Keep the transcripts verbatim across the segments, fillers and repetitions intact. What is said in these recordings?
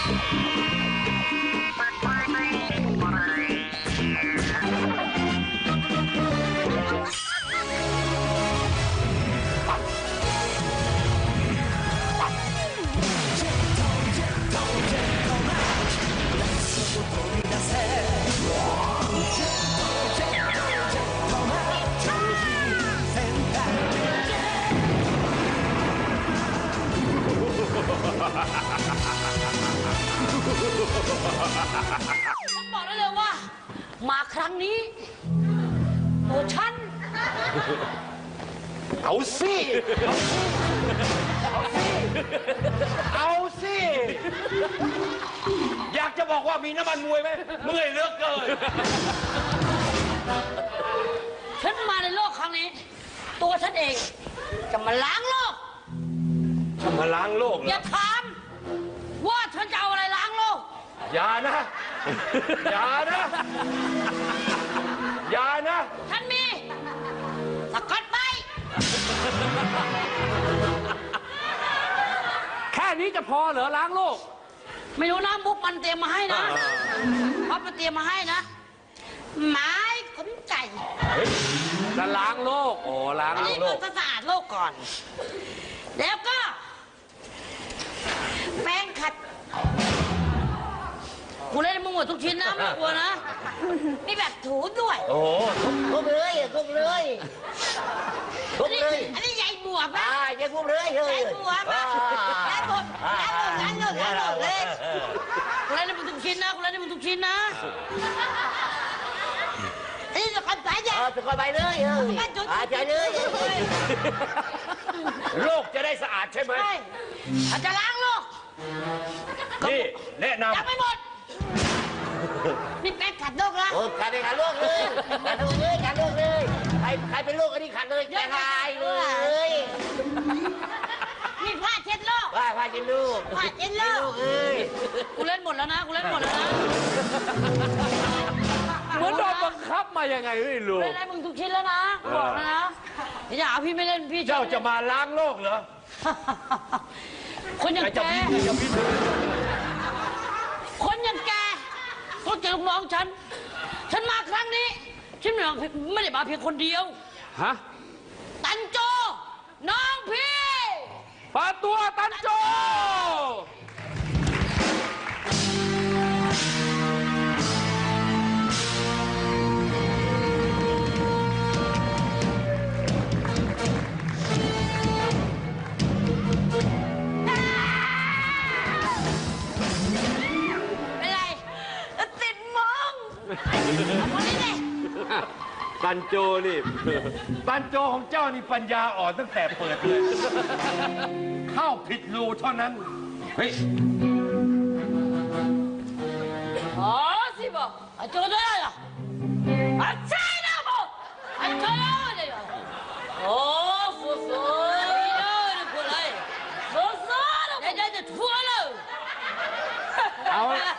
ผมบอกได้เลยว่ามาครั้งนี้โอ้ฉันเอาสิเอาสิอยากจะบอกว่ามีน้ำมันมวยไหมเมื่อยเหลือเกินฉันมาในโลกครั้งนี้ตัวฉันเองจะมาล้างโลกจะมาล้างโลกเหรออย่าถามว่าฉันจะเอาอะไรล้างโลกอย่านะอย่านะอย่านะฉันมีสกัดไปแค่นี้จะพอเหรอล้างโลกไม่รู้นะมุกมันเตรียมมาให้นะเพราะมันเตรียมมาให้นะไม้ขนไก่จะล้างโลกโอ้ล้างโลกมันสะอาดโลกก่อนแล้วก็แป้งขัดกูเล่นมึงหมดทุกชิ้นนะไม่กลัวนะมีแบบถูด้วยโอ้ครบเลยครบเลยครบเลยอันนี้ใหญ่บวบอ่าใหญ่ครบเลยเฮ้ยใหญ่บวบแล้วหมดแล้วหมดแล้วหมดแล้วหมดเลยกูเล่นมึงทุกชิ้นนะกูเล่นมึงทุกชิ้นนะนี่จะกันไปยังจะกันไปเลยเฮ้ยอาใจเลยโลกจะได้สะอาดใช่ไหมใช่อาจจะล้างโลกนี่แนะนำยังไม่หมดนี่แป้งขัดโลกนะโอ้ขัดเลยขัดโลกเลยขัดโลกเลยขัดโลกเลยใครใครเป็นโลกอันนี้ขัดเลยแกทายเลยนี่ผ้าเช็ดโลกผ้าผ้าเช็ดโลกผ้าเช็ดโลกเอ้ยกูเล่นหมดแล้วนะกูเล่นหมดแล้วนะเหมือนโดนบังคับมายังไงไม่รู้เล่นอะไรมึงทุกชิ้นแล้วนะบอกแล้วนะอย่าเอาพี่ไม่เล่นพี่เจ้าจะมาล้างโลกเหรอคนอย่างแกคนอย่างแกก็เจอลูกน้องฉันฉันมาครั้งนี้ฉันไม่ได้มาเพียงคนเดียวฮะตันโจน้องพี่ปาตัวตันโจตันโจนี่ตันโจของเจ้านี่ปัญญาอ่อนตั้งแต่เปิดเลยเข้าผิดรูเท่านั้นเฮ้ยอ๋อสิบ่อะโจได้เหรออะใช่นะบ่อะโจได้เหรอโอ้ฟูฟูนี่เลยกูเลยฟูฟูเดี๋ยวเดี๋ยวทั่วเลยเอา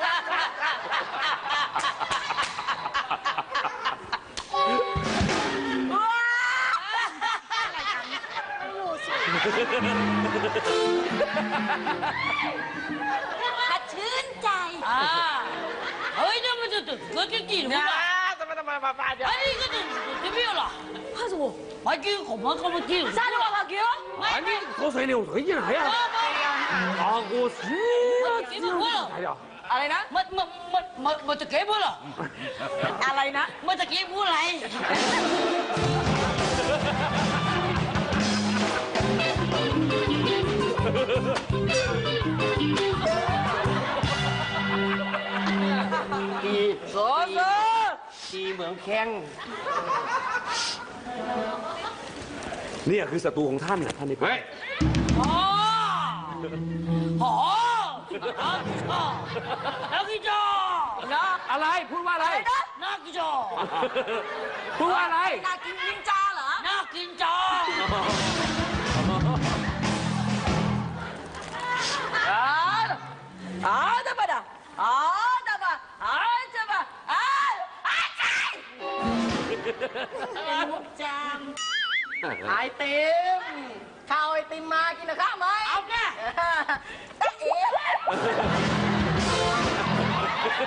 ขัดชื่นใจอ่าเฮ้ยเนี่ยมันจะตึกเกิดกี่หรือเปล่าทำไมทำไมมาป้าเดี๋ยวไอ้นี่ก็จะจะไม่有了怕什么มากินของมันก็มากิน啥都มากินอันนี้口水流水进来呀啊我是กินหมดแล้วอะไรนะมันมันมันมันมันจะเก็บหมดหรออะไรนะมันจะเก็บหมดอะไรกีโซโซกีเหมืองแข้งนี่คือศัตรูของท่านนะท่านนี่เฮ้ยอ๋ออ๋อนักกีฬานะอะไรพูดว่าอะไรนักกีฬาพูดว่าอะไรนักกินนินจาเหรอนักกินจาอ่าอ่าได้ปะด่ะอ่าได้ปะอ่าได้ปะอ่าอ่าใช่มุกจามไอติมข้าวไอติมมากินนะข้าวไหมเอาแน่ตะเอ๋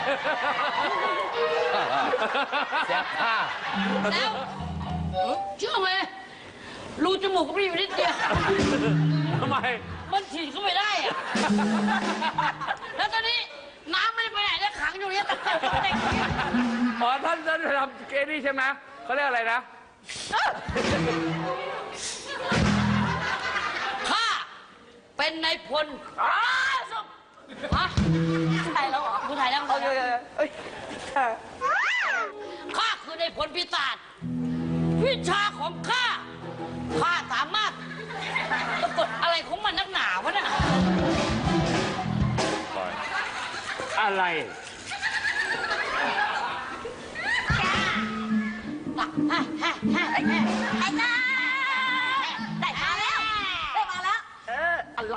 เสียค่าแล้วเชื่อไหมรูจมูกก็มีอยู่นิดเดียวทำไมมันฉีดเข้าไปได้อะแล้วตอนนี้น้ำไม่ได้ไปไหนแล้วขังอยู่เนี่ยตะเกียบตะเกียบอ๋อท่านท่านทำเกนี่ใช่ไหมเขาเรียกอะไรนะข้าเป็นนายพลอ้าวสุฮะถ่ายแล้วเหรอคุณถ่ายแล้วเหรอเอ้ยข้าคือนายพลปีศาจวิชาของข้าข้าสามารถสะกดอะไรของมันนักหนาวะน่ะอะไรฮะฮะฮะไอ้จ้าได้มาแล้ว ได้มาแล้ว เออ อะไร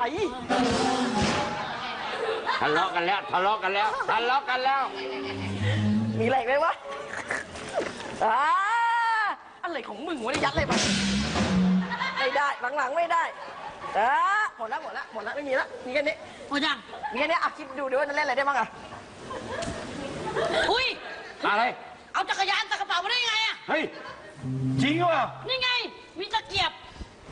ทะเลาะกันแล้ว ทะเลาะกันแล้ว ทะเลาะกันแล้วมีอะไรไหมวะอ่าอะไรของมึงวะเนี่ยยัดอะไรมาไม่ได้ หลังๆไม่ได้อ่าหมดแล้วหมดแล้วหมดแล้วไม่มีแล้วมีแค่นี้หมดยังมีแค่นี้อ่ะคิดดูดิว่าจะเล่นอะไรได้บ้างอ่ะอุ้ยอะไรเอาจักรยานใส่กระเป๋ามาได้ยังไงอะเฮ้ย จริงวะนี่ไง มีตะเกียบ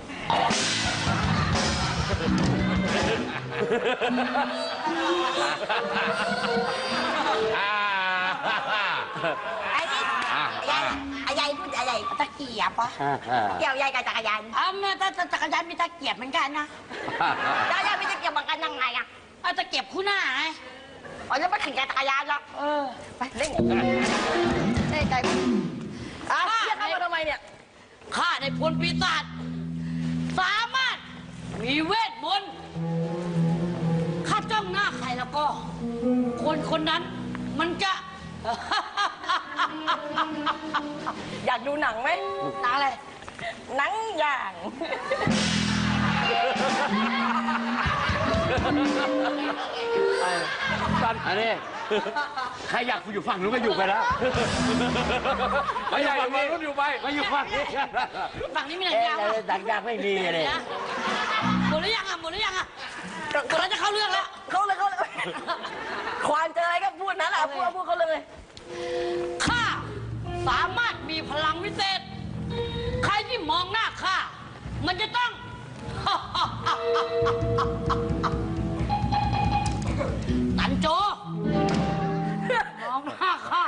อ่าไอ้นี่ยายไอ้ยายพูดอะไรตะเกียบปะเกี่ยวยายกับจักรยานอ้าวแม่ถ้าจักรยานมีตะเกียบเหมือนกันนะยายยายมีตะเกียบเหมือนกันยังไงอะเอาตะเกียบคู่หน้าไงอ๋อจะไม่ขี่จักรยานหรอกเออไปเล่นเล่นใจอ่ะเรียกเข้ามาทำไมเนี่ยข้าในพลปีศาจสามารถมีเวทมนต์ข้าจ้องหน้าใครแล้วก็ คนคนนั้นมันจะอยากดูหนังไหมตาอะไรหนังอย่างอันนี้ใครอยากอยู่ฝั่งนู้นก็อยู่ไปแล้วไม่ใหญ่มารุ่นอยู่ไปมาอยู่ฝั่งนี้ฝั่งนี้มีหนังยาวเอ๊ะอะดังยากไม่มีเลยนะหมดหรือยังอ่ะหมดหรือยังอ่ะหมดแล้วจะเข้าเรื่องแล้วเขาเลยเขาเลยควานเจออะไรก็พูดนั้นแหละพูดพูดเขาเลยข้าสามารถมีพลังวิเศษ ใครที่มองหน้าข้ามันจะต้อง ตันโจ มองหน้าข้า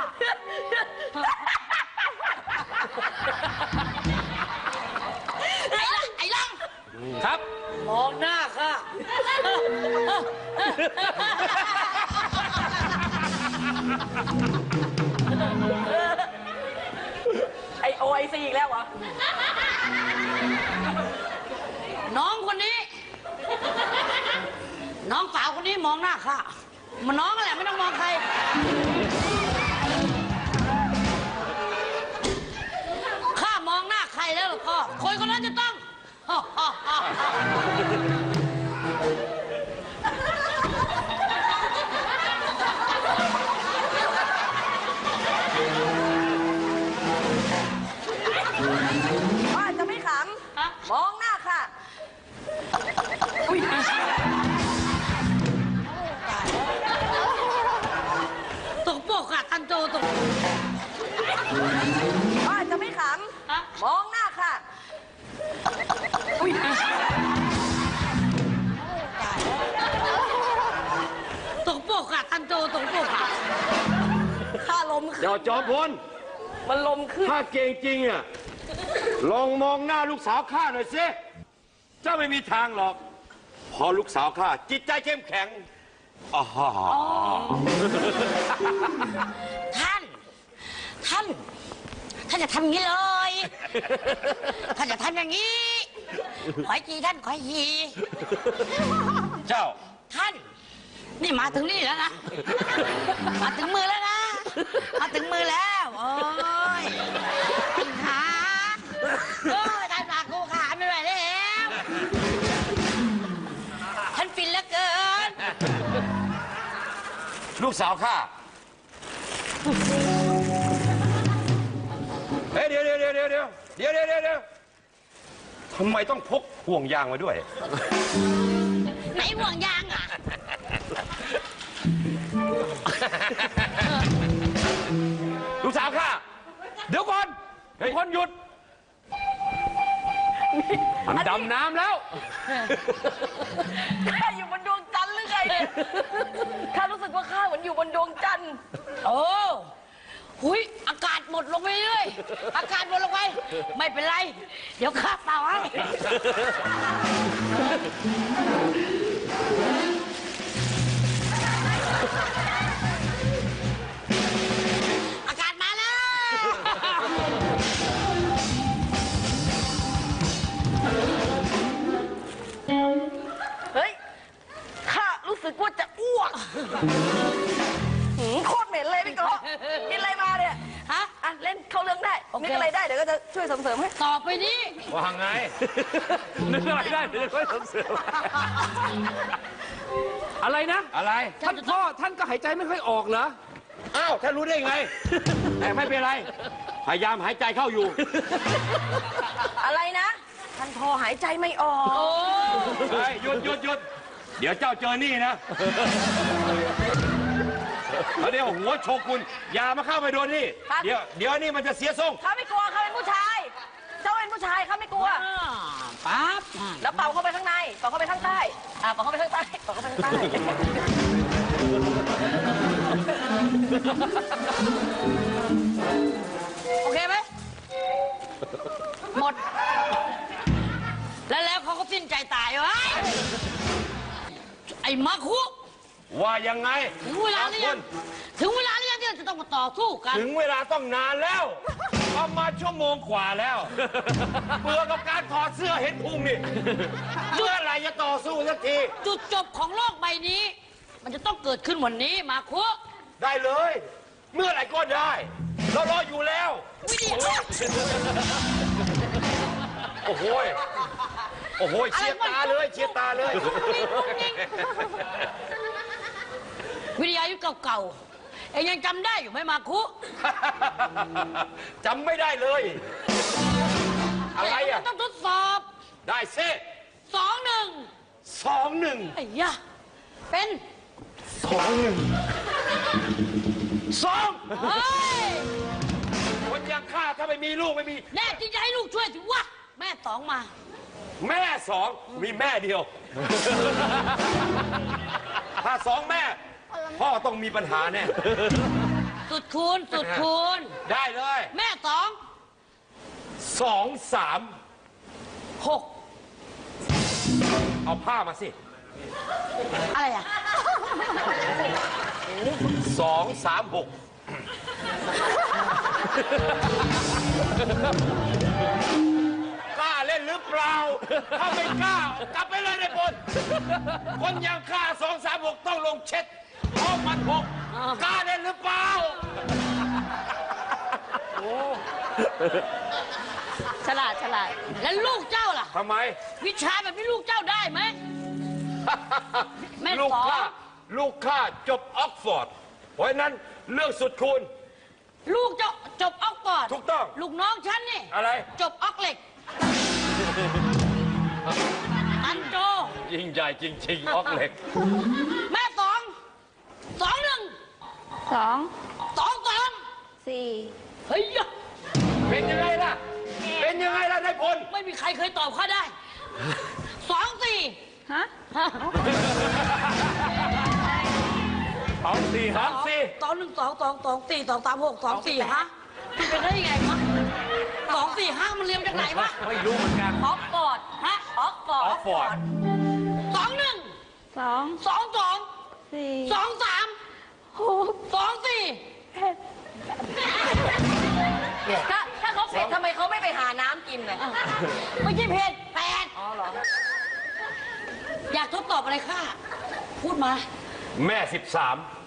ไอ้ลังไอ้ลังครับมองหน้าข้าไอโอไอซีอีกแล้วเหรอน้องคนนี้ น้องสาวคนนี้มองหน้าข้ามันน้องอะไรไม่ต้องมองใคร ข้ามองหน้าใครแล้วล่ะก็คนคนนั้นจะต้องว่าจะไม่ขฮะำ มองหน้าค่ะ อุ้ยตกโปกอะตันโจตกว่าจะไม่ขฮะำ มองหน้าค่ะ อุ้ยตกโปกอะตันโจตกโปกอะข้าลมขึ้นเดี๋ยวจอมพลมันลมขึ้นถ้าเก่งจริงอ่ะ ลองมองหน้าลูกสาวข้าหน่อยสิเจ้าไม่มีทางหรอก พอลูกสาวข้าจิตใจเข้มแข็งอ๋อท่าน ท่าน ท่านจะทำอย่างนี้เลย ท่านจะทำอย่างนี้ ขอยทีท่านขอยทีเจ้าท่าน นี่มาถึงนี่แล้วนะ มาถึงมือแล้วนะ มาถึงมือแล้ว โอ้ยขาโอ้ยท่านฝากกูขาไม่ไหวแล้ว ท่านฟินเหลือเกินลูกสาวข้าเฮ้ยเดี๋ยวเดี๋ยวเดี๋ยวเดี๋ยวเดี๋ยวเดี๋ยวเดี๋ยวเดี๋ยวทำไมต้องพกห่วงยางมาด้วยไหนห่วงยางอ่ะเดี๋ยวก่อนทุกคนหยุด มันดำน้ำแล้วข้าอยู่บนดวงจันทร์หรือไงเนี่ยข้ารู้สึกว่าข้าเหมือนอยู่บนดวงจันทร์โอ้หุยอากาศหมดลงไปเรื่อยอากาศหมดลงไป ไม่เป็นไร เดี๋ยวข้าเป่าให้ อากาศมาแล้วเฮ้ย ข้ารู้สึกว่าจะอ้วกหืมโคตรเหม็นเลยพี่โกกินอะไรมาเนี่ยฮะอ่ะ เล่นเข้าเรื่องได้โอเคนึกอะไรได้ เดี๋ยวก็จะช่วยเสริมๆให้ต่อไปนี้ว่าไงนึกอะไรได้เดี๋ยวค่อยเสริมอะไรนะอะไรท่านพ่อท่านก็หายใจไม่ค่อยออกเหรออ้าวท่านรู้ได้ไง แต่ไม่เป็นไร พยายามหายใจเข้าอยู่อะไรนะ ท่านพอหายใจไม่ออกโอ้เฮ้ยหยุดหยุดหยุดเดี๋ยวเจ้าเจอนี่นะแล้วเดี๋ยวหัวโชกุนอย่ามาเข้าไปโดนนี่ครับเดี๋ยวเดี๋ยวนี่มันจะเสียทรงข้าไม่กลัวข้าเป็นผู้ชาย เจ้าเป็นผู้ชายข้าไม่กลัวอ่าปั๊บแล้วเป่าเข้าไปข้างใน เป่าเข้าไปข้างใต้ อ่าเป่าเข้าไปข้างใต้ เป่าเข้าไปข้างใต้โอเคไหมหมด แล้วแล้วเขาก็สิ้นใจตายวะไอ้มาคุว่ายังไงถึงเวลาหรือยังถึงเวลาหรือยังที่เราจะต้องมาต่อสู้กันถึงเวลาต้องนานแล้ว ประมาณชั่วโมงกว่าแล้วเบื่อกับการถอดเสื้อเห็นพุงนี่เมื่อไหรจะต่อสู้สักทีจุดจบของโลกใบนี้ มันจะต้องเกิดขึ้นวันนี้มาคุได้เลย เมื่อไหร่ก็ได้ เรารออยู่แล้ววิธีโอ้โหยโอ้โหยเชียร์ตาเลยเชียร์ตาเลยวิทยายุทธเก่าๆเองยังจำได้อยู่ไหมมาคุจำไม่ได้เลย อะไรอ่ะต้องทดสอบได้เซ่สองหนึ่งสองหนึ่งไอ้ยะเป็นสองหนึ่งสองเฮ้ยคนอย่างข้าถ้าไม่มีลูกไม่มีแน่จริงจะให้ลูกช่วยสิวะแม่สองมาแม่สองมีแม่เดียว ถ้าสองแม่ พ่อต้องมีปัญหาแน่สุดคูณสุดคูณได้เลยแม่สองสองสามหกเอาผ้ามาสิอะไรอ่ะสองสามหกกล้าเล่นหรือเปล่า ถ้าไม่กล้ากลับไปเลยในบนคนอย่างข้าสองสามหกต้องลงเช็ดเพราะมันหกกล้าเล่นหรือเปล่าฉลาดฉลาดแล้วลูกเจ้าล่ะทำไมวิชาแบบนี้ลูกเจ้าได้ไหม แม่ลูกสองข้าลูกข้าจบออกฟอร์ด เพราะฉะนั้นเรื่องสุดคูณลูกเจ้าจบออกฟอร์ดถูกต้องลูกน้องฉันนี่อะไรจบออกเหล็ก อันโจยิ่งใหญ่จริงๆออกเหล็กแม่สองสองหนึ่งสองสองสองสี่เฮ้ยยะเป็นยังไงล่ะ เป็นยังไงล่ะนายพลไม่มีใครเคยตอบข้าได้สองสี่ฮะสองสี่สองสี่สองหนึ่งสองสองสองสี่สองสามหกสองสี่ฮะมันเป็นได้ยังไงวะสองสี่ห้ามันเรียงจากไหนวะไม่รู้เหมือนกันออกฟอร์ดฮะออกฟอร์ดออกฟอร์ดสองหนึ่งสองสองสองสี่สองสามหกสองสี่ถ้าถ้าเขาเผ็ดทำไมเขาไม่ไปหาน้ำกินเลยไม่ใช่เพจแปดอ๋อเหรออยากทดสอบอะไรข้าพูดมาแม่สิบสาม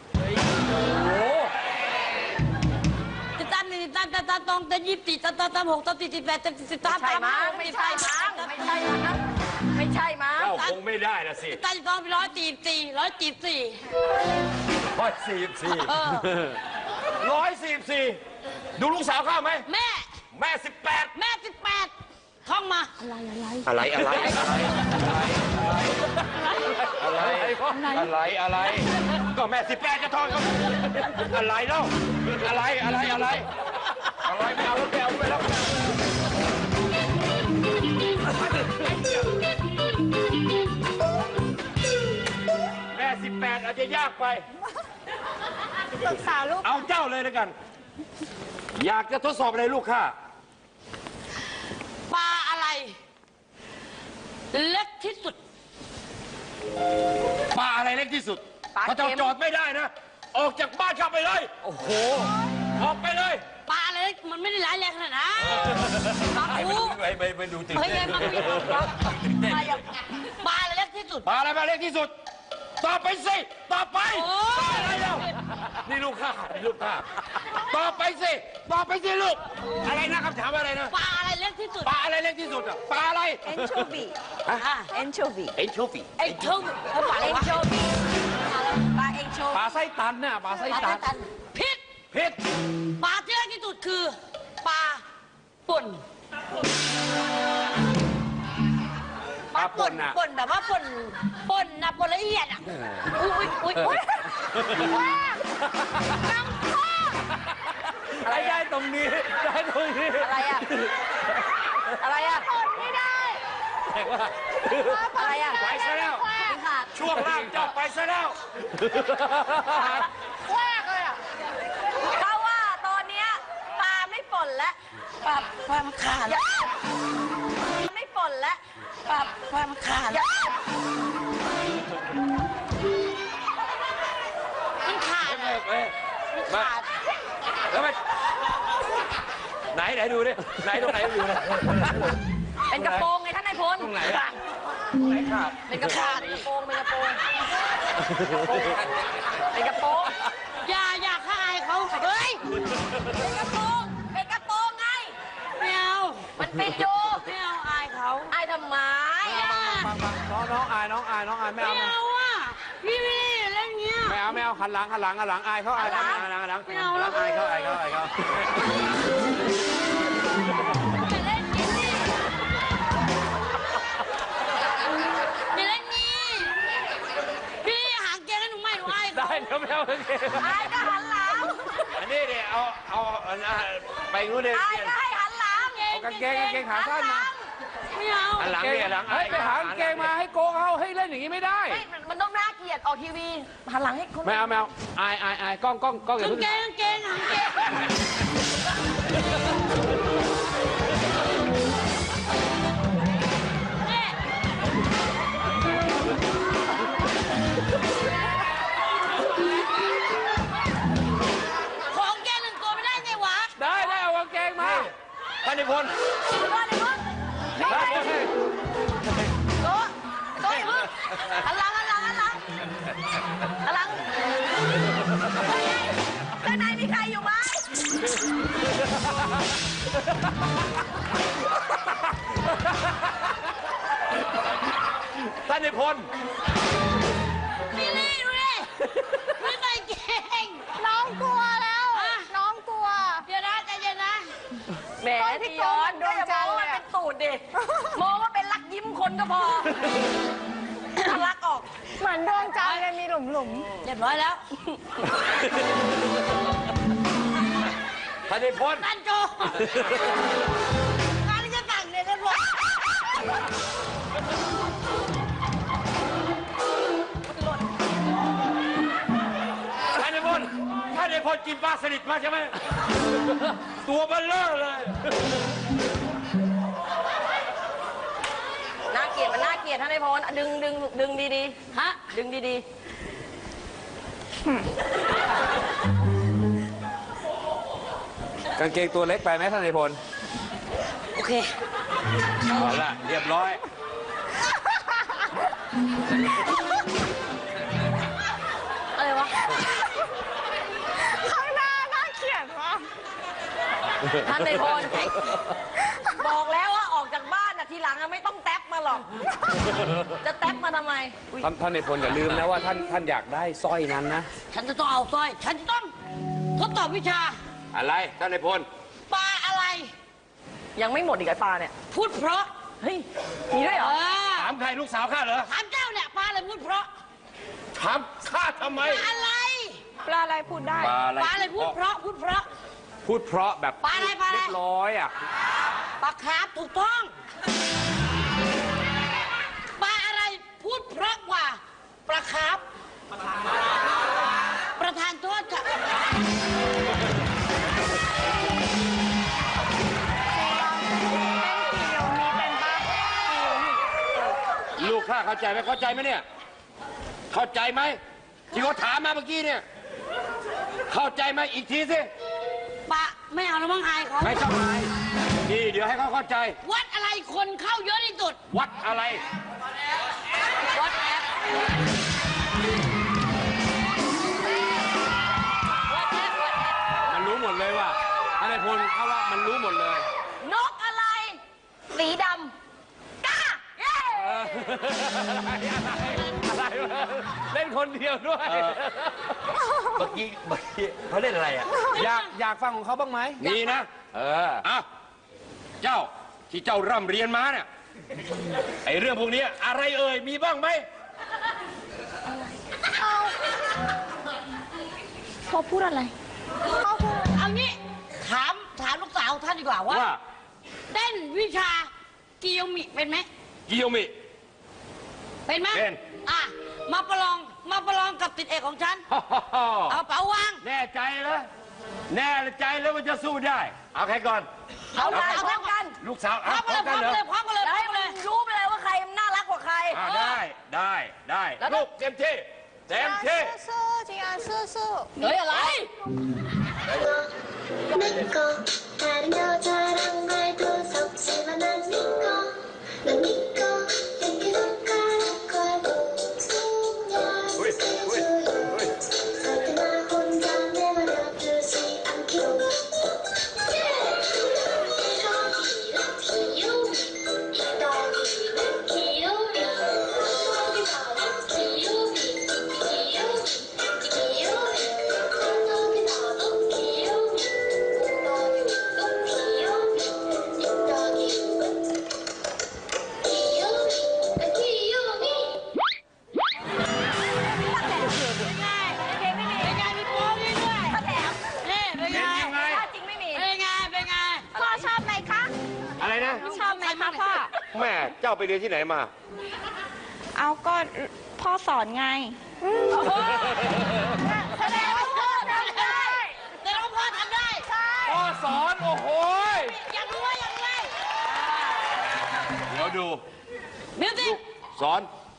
ติดตามหนึ่งติดตามตามตามตองแต่ยี่สิบสี่ตามตามตามหกตามสี่สิบแปดตามสิบตามใช่ตามมั้งไม่ใช่มั้งไม่ใช่มั้งไม่ใช่มั้งเจ้าคงไม่ได้นะสิติดตามตองไปร้อยสี่สี่ร้อยสี่สี่ร้อยสี่สี่เออร้อยสี่สี่ดูลูกสาวข้าไหมแม่แม่สิบแปดแม่สิบแปดท่องมาอะไรอะไรอะไรอะไรอะไรอะไรก็แม่สิบแปดจะทอนก็อะไรเล่าอะไรอะไรอะไรอะไว้ไม่เอาแล้วไม่เอาไปแล้วแม่สิบแปดอาจจะยากไปปรึกษาลูกเอาเจ้าเลยแล้วกัน อยากจะทดสอบอะไรลูกข้าปลาอะไร เล็กที่สุดปลาอะไรเล็กที่สุดปลาพระเจ้าเค็มจอดไม่ได้นะ ออกจากบ้านเข้าไปเลยโอ้โหออกไปเลยปลาอะไรเล็กมันไม่ได้ร้ายแรงขนาดนั้นปลาไปคูไปไปไปดูตื่นเฮ้ยเต้ไงนมันมีปลาอย่างปลาอะไรเล็กที่สุดปลาอะไรปลาเล็กที่สุดตอบไปสิตอบไปโอ้ปลาอะไรเล่านี่ลูกข้าลูกข้าตอบไปสิตอบไปสิลูก อะไรนะคำถามอะไรนะปลาอะไรเล็กที่สุดปลาอะไรเล็กที่สุดอ่ะปลาอะไรเอนโชวีอ่ะเอนโชวีเอ็นโชฟีไอ้เท่งเขาปลาอะไรเอนวะโชวีปลาเอนโชปลาไส้ตันน่ะปลาไส้ตันพิษเพชรปลาที่เล็กที่สุดคือปลาป่นปลาป่นน่ะป่นแบบว่าป่นป่นนะป่นละเอียดอ่ะอุ้ยอุ้ยอุ้ยน้ำข้ออะไรได้ตรงนี้ได้ตรงนี้อะไรอะอะไรอะทนไม่ได้แต่ว่าอะไรอะไปซะแล้วขาดช่วงล่างเจ้าไปซะแล้วแควกเลยอ่ะเพราะว่าตอนเนี้ยปลาไม่ป่นแล้วปลาปลามันขาดไม่ป่นแล้วปลาปลามันขาดมันขาดเอ้ยเอ้ยมันมาขาดแล้วไปไหนไหนดูดิไหนตรงไหนดูนะเป็นกระโปรงไงท่านนายพลตรงไหนอะไหนขาดเป็นกระโปรงเป็นกระโปรงเป็นกระโปรงเป็นกระโปรงอย่าอย่าฆ่าอายเขาเฮ้ยเป็นกระโปรงเป็นกระโปรงไงไม่เอามันปิดอยู่ไม่เอาอายเขาไอ้ทำไมฟังฟังน้องน้องอายน้องอายน้องอายไม่ไม่เอาเอาอ่ะพี่พี่เล่นเงี้ยไม่เอาไม่เอาหันหลังหันหลังหันหลังอายเขาอายเขาหลังหลังหลังไม่เอาแล้วอายเขาอายเขาอายเขาอย่าเล่นงี้สิอย่าเล่นงี้พี่หางเกงให้หนูใหม่หนูอายเขาได้เดี๋ยวไม่เอาโอเคไอ้ก็หันหลังอันนี้เนี่ยเอาเอาเอาไปนู้นเลยไอ้ก็ให้หันหลังเอากางเกงกางเกงขาสั้นมาไม่เอาอันหลังเนี่ยหลังเฮ้ยไปหากางเกงมาให้โกงเขาให้เล่นอย่างนี้ไม่ได้ไม่มันต้องน่าเกลียดออกทีวีหันหลังให้คนไม่เอาไม่เอาอายอายอายกล้องกล้องกล้องอย่ากางเพิ่งเกงกางเกงหางเกงของแกหนึ่งตัวไม่ได้ไงวะได้ได้เอากางเกงมาท่านนิพนธ์ก็เลยมึงได้โต๊ะโต๊ะอย่ามึงหันหลังหันหลังหันหลังหันหลังด้านในมีใครอยู่ไหมท่านนิพนธ์นี่นี่ดูดิไม่ใส่เกงน้องกลัวแล้วอ่ะน้องกลัวเดี๋ยวนะใจเย็นนะแหมที่ย้อนก็อย่ามองว่ามันเป็นตูดดิมองว่าเป็นลักยิ้มคนก็พอถ้าลักออกเหมือนดวงจันทร์เลยมีหลุมหลุมเรียบร้อยแล้วท่านนิพนธ์ตันโจงานที่จะสั่งเนี่ยเรียบร้อยท่านนิพนธ์ท่านนิพนธ์กินปลาสลิดมาใช่ไหมตัวเบลเลอร์เลยน่าเกลียดมันน่าเกลียดท่านนายพลดึงดึงดึงดีฮะๆดึงดีกางเกงตัวเล็กไปไหมท่านนายพลโอเคเอาละเรียบร้อยอะไรวะข้างหน้าน่าเกลียดมากท่านนายพลบอกแล้วว่าออกจากบ้านน่ะทีหลังอะไม่ต้องแท็บมาหรอก จะแท็บมาทำไมอุ๊ยท่านท่านนายพลอย่าลืมนะว่าท่านท่านอยากได้สร้อยนั้นนะฉันจะต้องเอาสร้อย ฉันจะต้องทดสอบวิชาอะไรท่านนิพนธ์ปลาอะไรยังไม่หมดอีกไอ้ปลาเนี่ยพูดเพราะเฮ้ย มีด้วยเหรอเออถามใครลูกสาวข้าเหรอถามเจ้าเนี่ยปลาอะไรพูดเพราะถามข้าทำไมปลาอะไรปลาอะไรพูดได้ปลาอะไรปลาอะไรพูดเพราะ พูดเพราะพูดเพราะแบบปลาอะไรปลาอะไรเรียบร้อยอ่ะปลาคาร์ฟถูกต้องปลาอะไรพูดเพราะกว่าปลาคาร์ฟประธานโทษค่ะลูกข้าเข้าใจไหมเข้าใจไหมเนี่ย เข้าใจไหมที่เขาถามมาเมื่อกี้เนี่ย เข้าใจไหมอีกทีสิปลาไม่เอาแล้วมั้งอายเขาไม่ต้องอายนี่เดี๋ยวให้เขาเข้าใจวัดอะไรคนเข้าเยอะที่สุดวัดอะไรวัดแอปวัดแอปวัดแอปมันรู้หมดเลยว่าอะไรพลเขาว่ามันรู้หมดเลยนกอะไร สีดำกล้าเย้เอออะไรวะเล่นคนเดียวด้วยเมื่อกี้เมื่อกี้เขาเล่นอะไรอ่ะอยากอยากฟังของเขาบ้างไหมนี่นะเอออ่ะเจ้าที่เจ้าร่ำเรียนมาเนี่ยไอเรื่องพวกนี้อะไรเอ่ยมีบ้างไหมพ่อพูดอะไรพ่อพูดเอางี้ถามถามลูกสาวท่านดีกว่าว่าว่าเต้นวิชากิโยมิเป็นไหมกิโยมิเป็นไหมเป็นอ่ะมาประลองมาประลองกับติดเอกของฉัน เอาเป๋าวางแน่ใจแล้วแน่ใจแล้วว่าจะสู้ได้ เอาใครก่อนเอามาพร้อมกันลูกสาวพร้อเอามกันพเลร้ยอมพร้กัอน มเหรอกันเลยพร้อมกันเลยพร้อให้มกันมัเลนยรู้ไปเลยว่าใครน่ารักกว่าใครอ่าได้ได้ได้ลูกเต็มที่เต็มที่สู้ๆจียอนสู้สู้เฮ้ยอะไร 내꺼 다른 여자랑 말도 섞지만 난 니꺼 난 니꺼 이렇게 손가락과 목소리야 스쳐줘요 절대 나 혼자 내버려 두지 않기로 내가 이런 귀요미 이 덩이는 귀요미 여기 바로 귀요미 귀요미 귀요미 여기 바로 귀요미 엉덩이 웃고 귀요미 이 덩이 웃고 귀요미 나 귀요미 เป็นไงเป็นไงเป็นไงมีโป้นี่ด้วยถ้าแถมนี่เป็นไงเป็นยังไงถ้าจริงไม่มีเป็นไงเป็นไงพ่อชอบไหมคะอะไรนะชอบไหมคะพ่อแม่เจ้าไปเรียนที่ไหนมาเอาก็พ่อสอนไงแสดงว่าพ่อทำได้แต่เราพ่อทำได้พ่อสอน โอ้โหยอยากรู้ว่าอยากรู้ว่าเดี๋ยวดูมิวสิกสอน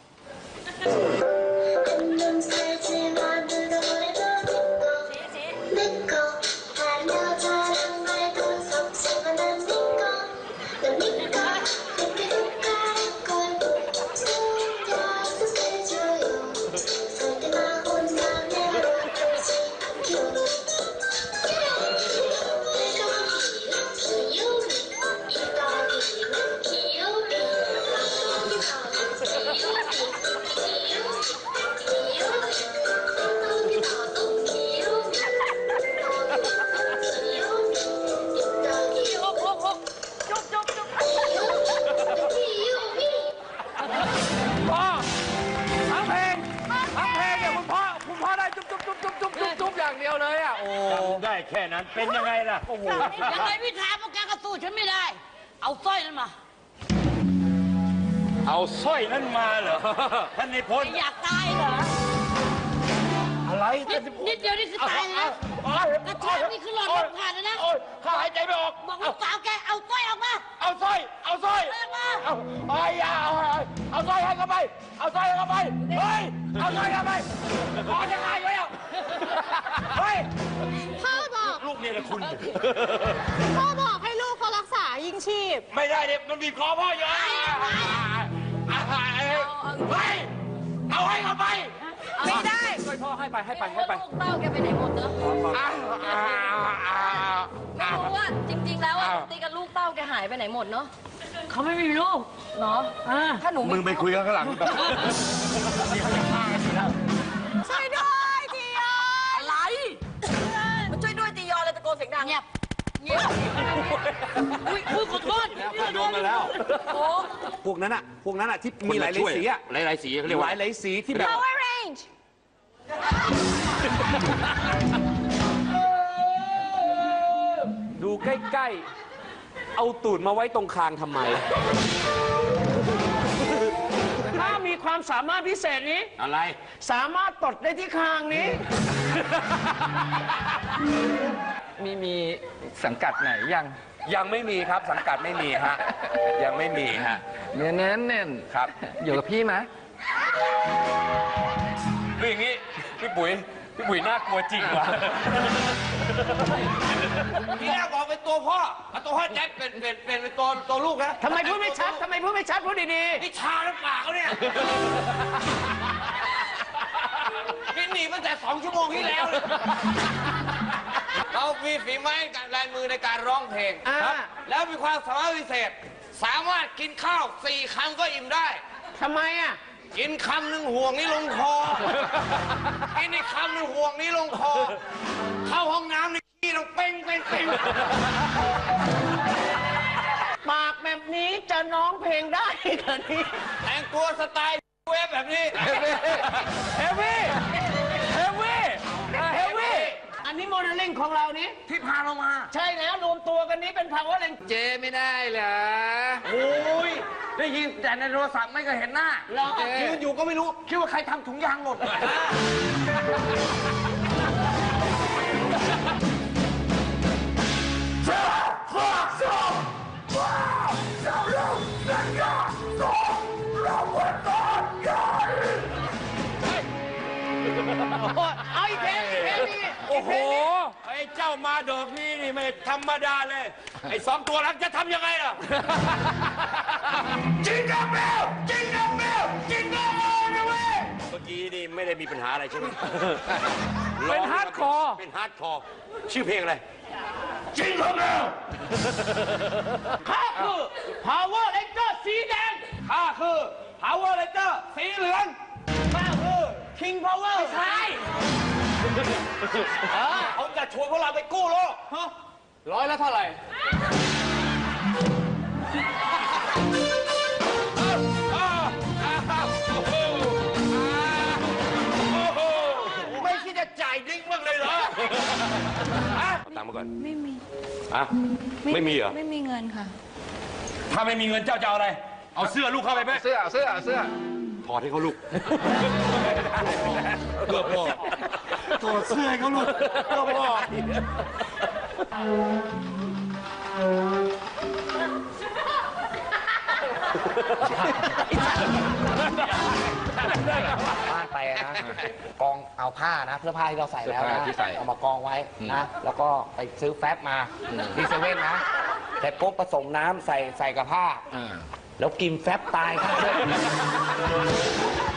한눈 살지만 노래도 내꺼 다른 여자랑 말도 섞지만 난 니꺼 난 니꺼 이렇게 손가락과 목소리야 스쳐줘요 절대 나 혼자 내버려 두지 않기로 내가 이런 귀요미 이 덩이는 귀요미 여기 바로 귀요미 귀요미 หกหกหกจุ๊บจุ๊บจุ๊บ 귀요미 พ่อทั้งเพลงทั้งเพลงเนี่ยคุณพ่อคุณพ่อได้จุ๊บจุ๊บจุ๊บจุ๊บจุ๊บจุ๊บจุ๊บอย่างเดียวเลยอ่ะ โอ้จำได้แค่นั้นเป็นยังไงล่ะโอ้โหยังไงพี่ถามพวกแกก็สู้ฉันไม่ได้ เอาสร้อยนั้นมาเอาสร้อยนั้นมาเหรอท่านนิพนธ์อยากตายเหรออะไรนิดนิดเดียวนี่คือตายนะกระชากนี่คือหลอดลมผ่านเลยนะโอ้ยข้าหายใจไม่ออกบอกลูกสาวแกเอาสร้อยออกมาเอาสร้อยเอาสร้อยเอามาเอาเอาอย่าเอาเอาเอาสร้อยให้เข้าไป เอาสร้อยให้เข้าไป เฮ้ย เอาสร้อยเข้าไปขอจะตายอยู่แล้วเฮ้ยพ่อบอกลูกเนี่ยนะคุณพ่อบอกให้ลูกเขารักษายิงชีพไม่ได้เนี่ยมันบีบคอพ่ออยู่อ่ะอ่ะอ่ะเฮ้ย เอาให้เข้าไปไม่ได้ช่วยพ่อให้ไปให้ไปให้ไปลูกเต้าแกไปไหนหมดเนอะอ่ะอ่ะอ่ะไม่รู้ว่าจริง ๆ แล้วอะอ้าวตีกับลูกเต้าแกหายไปไหนหมดเนาะเขาไม่มีลูกเนาะอ่าถ้าหนูมึงไปคุยกันข้างหลังแบบนี่เขาจะฆ่ากันอยู่แล้วช่วยด้วยจียอนอะไรมันช่วยด้วยจียอนเลยตะโกนเสียงดังเงียบเงียบอุ้ยอุ้ยขอโทษแล้วพ่อโดนมาแล้วโอ้พวกนั้นอ่ะ พวกนั้นอ่ะที่มีหลายๆสีอ่ะหลายหลายๆสีเขาเรียกหว่าลายหลายๆสีที่แบบ Power Range เใกล้ๆ เอาตูดมาไว้ตรงคางทำไมถ้ามีความสามารถพิเศษนี้อะไรสามารถตดได้ที่คางนี้มีมีสังกัดไหนยังยังไม่มีครับสังกัดไม่มีฮะ ยังไม่มีฮะเนื้อแน่นแน่นครับอยู่กับพี่ไหมคืออย่างนี้ พี่ปุ๋ย พี่ปุ๋ยน่ากลัวจริงว่ะทีแรกบอกเป็นตัวพ่อเอาตัวพ่อแจ็คเป็นเป็นเป็นเป็นตัวตัวลูกนะทำไมพูดไม่ชัด ทำไมพูดไม่ชัด พูดดีนี่ชาหรือเปล่าเนี่ยนี่หนีตั้งแต่สองชั่วโมงที่แล้วเลยเขามีฝีไม้กับลายมือในการร้องเพลงๆอ่าครับแล้วมีความสามารถพิเศษ สามารถกินข้าวสี่คำก็อิ่มได้ทำไมอ่ะกินคำหนึ่งห่วงนี้ลงคอ กินอีกคำหนึ่งห่วงนี้ลงคอ เข้าห้องน้ำในขี้ต้องเป้งเป้งเป้งปากแบบนี้จะร้องเพลงได้เหรอนี่แต่งตัวสไตล์เวฟแบบนี้เฮฟวี่ เฮฟวี่ เฮฟวี่อันนี้โมเดลลิ่งของเรานี้ที่พาเรามาใช่แล้วรวมตัวกันนี้เป็น power rank เจไม่ได้เหรอโอ้ย ได้ยินแต่ในโทรศัพท์ไม่เคยเห็นหน้าเหรอยืนอยู่ก็ไม่รู้ คิดว่าใครทำถุงยางหล่นเอาอีกเพลงอีกเพลงนี้โอ้โห ไอ้เจ้ามาดอกนี้นี่ไม่ธรรมดาเลย ไอ้สองตัวหลังจะทำยังไงล่ะ จิงกังเบลจิงกังเบลจิงกังเบลนะเว้ย เมื่อกี้นี่ไม่ได้มีปัญหาอะไรใช่ไหมเป็นฮาร์ดคอร์เป็นฮาร์ดคอร์ ชื่อเพลงอะไร จิงกังเบลข้าคือ power ranger สีแดงข้าคือ Power Ranger สีเหลืองข้าคือ king power ใช่เขาจะชวนพวกเราไปกู้โลกร้อยละเท่าไหร่ไม่คิดจะจ่ายดิ้งบ้างเลยเหรอเอาตังค์มาก่อนไม่มีอะไม่มีเหรอไม่มีเงินค่ะถ้าไม่มีเงินเจ้าจะเอาอะไร เอาเสื้อลูกเข้าไปไหมเสื้อเอาเสื้อเอาเสื้อถอดให้เขาลูกเพื่อพ่อถอดเสื้อให้เขาลูกเพื่อพ่อบ้านไปนะกองเอาผ้านะเสื้อผ้าที่เราใส่แล้วนะเสื้อผ้าที่ใส่เอามากองไว้นะแล้วก็ไปซื้อแฟบมาที่เซเว่นนะเสร็จปุ๊บผสมน้ำใส่ใส่กับผ้าอ่าแล้วกินแฟบตายครับ